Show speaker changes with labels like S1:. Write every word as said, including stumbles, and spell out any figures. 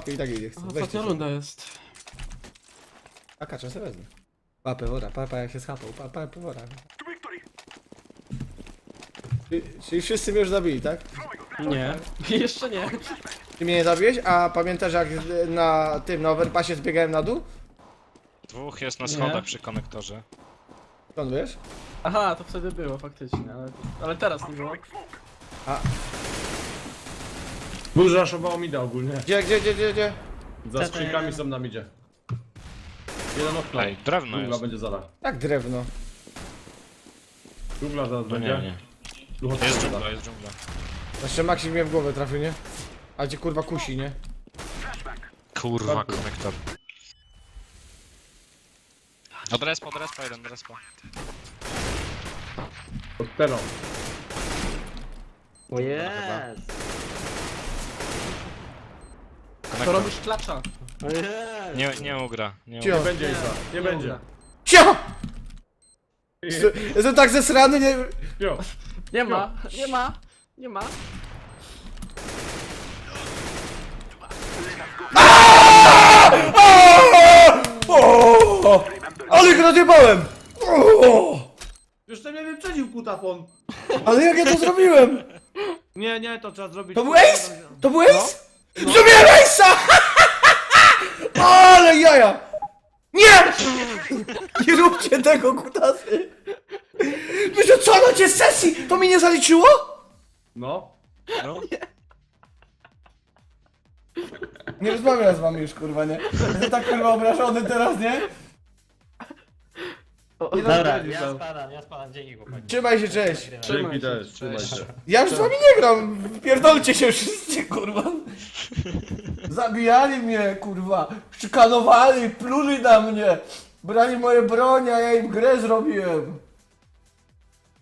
S1: łapkę i tak jej nie chcę.
S2: Aha,
S1: Weź
S2: ostatnia
S1: ty.
S2: runda jest.
S1: A kacza sobie wezmę. Pa, pewora, papa jak się schapał, pa, pa, pewora. Czyli, czyli wszyscy mnie już zabili, tak?
S2: Nie. Jeszcze nie.
S1: Ty mnie nie zabiłeś? A pamiętasz jak na tym, na overpassie zbiegałem na dół?
S3: Dwóch jest na
S2: Nie.
S3: schodach przy konektorze.
S1: Skąd wiesz?
S2: Aha, to wtedy było faktycznie, ale, ale teraz nie było.
S4: Burz raszowało mida ogólnie.
S1: Gdzie, gdzie, gdzie, gdzie, gdzie?
S4: Za skrzynkami są na midzie. Jeden okno.
S3: Ej, drewno
S4: Dżungla
S3: jest.
S4: będzie zaraz.
S1: Jak drewno.
S4: Dżungla zaraz
S3: No nie,
S4: będzie.
S3: nie.
S4: Duchotwórca.
S3: Jest dżungla, jest dżungla.
S1: Jeszcze Maxi mnie w głowę trafił, nie? A cię kurwa kusi, nie?
S3: Kurwa,
S4: Tak.
S3: konektor. Od respa, od respa jeden, od respa.
S4: Pod teną.
S5: O jest!
S2: To
S3: Konektor.
S2: robisz klacza.
S5: O jest!
S3: Nie, nie ugra, nie
S1: Cio.
S3: ugra.
S4: Nie będzie Isa, nie będzie.
S2: uda.
S1: Cio! Jestem tak zesrany, nie...
S4: Jo.
S2: Nie ma, nie ma, nie ma.
S1: O! Ale go nadjebałem! O!
S4: Jeszcze mnie wyprzedził kutafon.
S1: Ale jak ja to zrobiłem?
S4: Nie, nie, to trzeba zrobić.
S1: To był ace? To był ace? Zrobiłem ace'a! Ale jaja! Nie! Nie róbcie tego, kutasy! Wiecie co, na cię z sesji? To mi nie zaliczyło?
S4: No.
S3: No.
S1: Nie rozmawiam z wami już, kurwa, nie? Jestem tak kurwa obrażony teraz, nie? Nie
S5: Dobra,
S1: rozmawiam.
S5: ja spadam, ja spadam, dzięki chłopaki.
S1: Trzymaj się, cześć!
S4: Dzięki
S2: Trzymaj się.
S4: też, trzymaj się.
S1: Ja już z wami nie gram! Pierdolcie się wszyscy, kurwa! Zabijali mnie, kurwa! Szykanowali, pluli na mnie! Brali moje broń, a ja im grę zrobiłem!